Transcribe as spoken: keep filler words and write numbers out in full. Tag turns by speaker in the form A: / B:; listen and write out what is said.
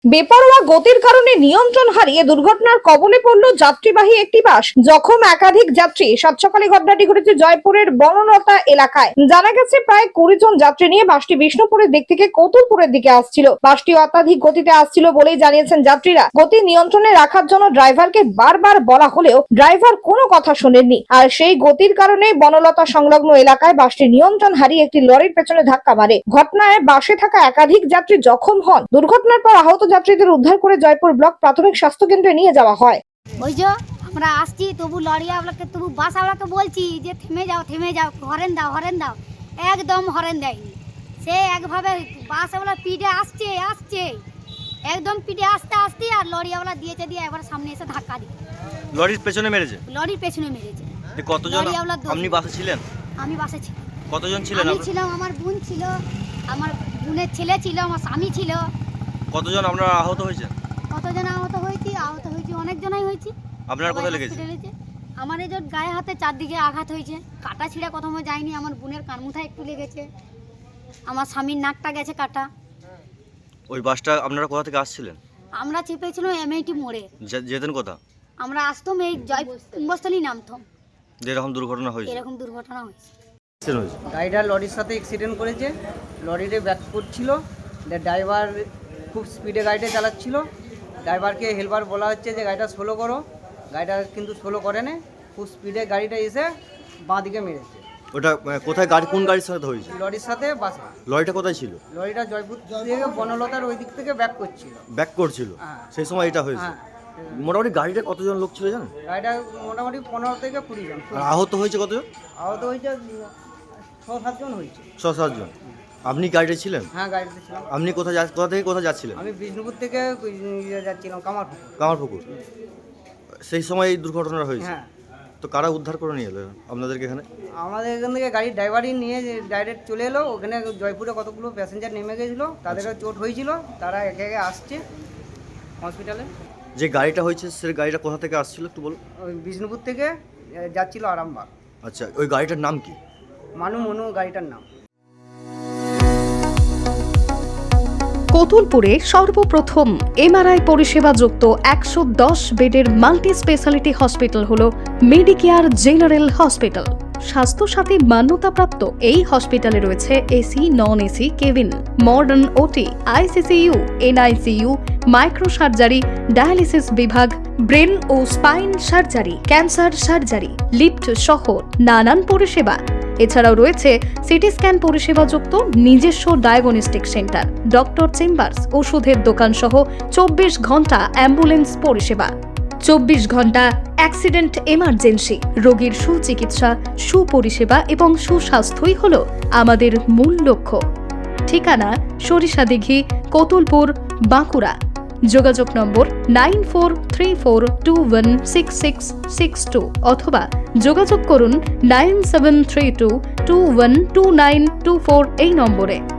A: বেপরোয়া গতির কারণে নিয়ন্ত্রণ হারিয়ে দুর্ঘটনার কবলে পড়ল যাত্রীবাহী একটি বাস। জখম একাধিক যাত্রী। সাত সকালে ঘটনাটি ঘটেছে জয়পুরের বনলতা এলাকায়। জানা গেছে প্রায় কুড়ি জন যাত্রী নিয়ে বাসটি বিষ্ণুপুরের দিক থেকে কতুলপুরের দিকে আসছিল। বাসটি অত্যাধিক গতিতে আসছিল বলেই জানিয়েছেন যাত্রীরা। গতি নিয়ন্ত্রণে রাখার জন্য ড্রাইভারকে বারবার বলা হলেও ড্রাইভার কোনো কথা শোনেননি। আর সেই গতির কারণে বনলতা সংলগ্ন এলাকায় বাসটি নিয়ন্ত্রণ হারিয়ে একটি লরির পেছনে ধাক্কা মারে। ঘটনায় বাসে থাকা একাধিক যাত্রী জখম হন। দুর্ঘটনার পর আহত যাত্রীদের উদ্ধার করে জয়পুর ব্লক প্রাথমিক স্বাস্থ্য কেন্দ্রে নিয়ে যাওয়া হয়।
B: ওই যে আমরা আসছি, তবু লরিয়াওয়ালাকে তবু বাসওয়ালাকে বলছি যে থেমে যাও থেমে যাও, হরেন দাও হরেন দাও, একদম হরেন দেয়নি। সে একভাবে বাসওয়ালা পিঠে আসছে আসছে একদম পিঠে আসতে আসতে আর লরিয়াওয়ালা দিয়েছে, দিয়ে একবার সামনে এসে ধাক্কা দিয়ে
C: লরির পেছনে মেরেছে।
B: লরির পেছনে মেরেছে।
C: কতজন আপনি বাসে ছিলেন?
B: আমি বাসে ছিলাম।
C: কতজন ছিলেন?
B: আমি ছিলাম, আমার বোন ছিল, আমার বোনের ছেলে ছিল, আমার স্বামী ছিল।
C: কতজন আপনারা আহত হয়েছে?
B: কতজন আহত হয়েছি? আহত হয়েছি অনেক জনাই হয়েছি।
C: আপনার কোথায় লেগেছে?
B: আমার এই যে গায়ে হাতে চারদিকে আঘাত হয়েছে, কাটা ছিঁড়া কোথাও যায়নি। আমার বোনের কানমুথায় একটু লেগেছে, আমার স্বামীর নাকটা গেছে কাটা।
C: ওই বাসটা আপনারা কোথা থেকে আসছিলেন?
B: আমরা চেপেছিলাম এমআইটি মোড়ে।
C: যেতেন কোথা?
B: আমরা আসতাম এই জয় কুম্ভস্থলী নামতাম।
C: যেরকম দুর্ঘটনা হয়েছে
B: এরকম দুর্ঘটনা হয়েছে।
D: গাড়িটা লরির সাথে অ্যাক্সিডেন্ট করেছে। লরিতে ব্যাক করছিল, ড্রাইভার খুব স্পিডে গাড়িটা চালাচ্ছিল। ড্রাইভারকে হেল্পার বলা হচ্ছে যে গাড়িটা স্লো করো, গাড়িটা কিন্তু স্লো করে না, খুব স্পিডে গাড়িটা এসে বাঁ দিকে মেরেছে।
C: ওটা কোথায় গাড়ি, কোন গাড়ির সাথে হয়েছে?
D: লরির সাথে বাসে।
C: লরিটা কোথায় ছিল?
D: লরিটা জয়পুর থেকে বনলতার ওই দিক থেকে ব্যাক করছিল।
C: ব্যাক করছিল,
D: হ্যাঁ।
C: সেই সময় এটা হয়েছে।
D: হ্যাঁ,
C: মোটামুটি গাড়িটা কতজন লোক ছিল জানেন?
D: গাড়িটা মোটামুটি পনেরো থেকে কুড়ি জন।
C: আর আহত হয়েছে কতজন?
D: আহত হয়েছে ছ সাতজন হয়েছে।
C: ছ সাতজন। আপনি গাড়িতে ছিলেন?
D: হ্যাঁ, গাড়িতে ছিলাম।
C: আপনি কোথায় যা কোথা থেকে কোথায় যাচ্ছিলেন?
D: আমি বিষ্ণুপুর থেকে ইয়ে যাচ্ছিলাম কামারপুকুর।
C: কামারপুকুর। সেই সময় এই দুর্ঘটনা হয়েছে।
D: হ্যাঁ।
C: তো কারা উদ্ধার করে নিয়ে এলো আপনাদেরকে এখানে?
D: আমাদের এখান থেকে গাড়ির ড্রাইভারই নিয়ে ডাইরেক্ট চলে এলো। ওখানে জয়পুরে কতগুলো প্যাসেঞ্জার নেমে গেছিলো, তাদেরও চোট হয়েছিল, তারা একে একে আসছে হসপিটালে।
C: যে গাড়িটা হয়েছে সে গাড়িটা কোথা থেকে আসছিল একটু বলুন।
D: ওই বিষ্ণুপুর থেকে যাচ্ছিল আরামবাগ।
C: আচ্ছা, ওই গাড়িটার নাম কি?
D: মানু মনু গাড়িটার নাম।
E: কতুলপুরে সর্বপ্রথম এমআরআই পরিষেবা যুক্ত একশো দশ বেডের মাল্টি স্পেশালিটি হসপিটাল হল মেডিকেয়ার জেনারেল হসপিটাল। স্বাস্থ্যসাথী মান্যতাপ্রাপ্ত এই হসপিটালে রয়েছে AC, non AC cabin, modern OT, ICCU, NICU, micro surgery, dialysis বিভাগ, ব্রেন ও spine surgery, cancer surgery, lift সহ নানান পরিষেবা। এছাড়াও রয়েছে সিটি স্ক্যান পরিষেবা যুক্ত নিজস্ব ডায়াগনস্টিক সেন্টার, ডক্টর চেম্বার্স, ওষুধের দোকান সহ চব্বিশ ঘন্টা অ্যাম্বুলেন্স পরিষেবা। চব্বিশ ঘন্টা অ্যাক্সিডেন্ট এমার্জেন্সি। রোগীর সুচিকিৎসা, সুপরিষেবা এবং সুস্বাস্থ্যই হল আমাদের মূল লক্ষ্য। ঠিকানা সরিষাদিঘি, কতুলপুর, বাঁকুড়া। যোগাযোগ নম্বর nine four three four two one six six six two অথবা যোগাযোগ করুন nine seven three two two one two nine two four এই নম্বরে।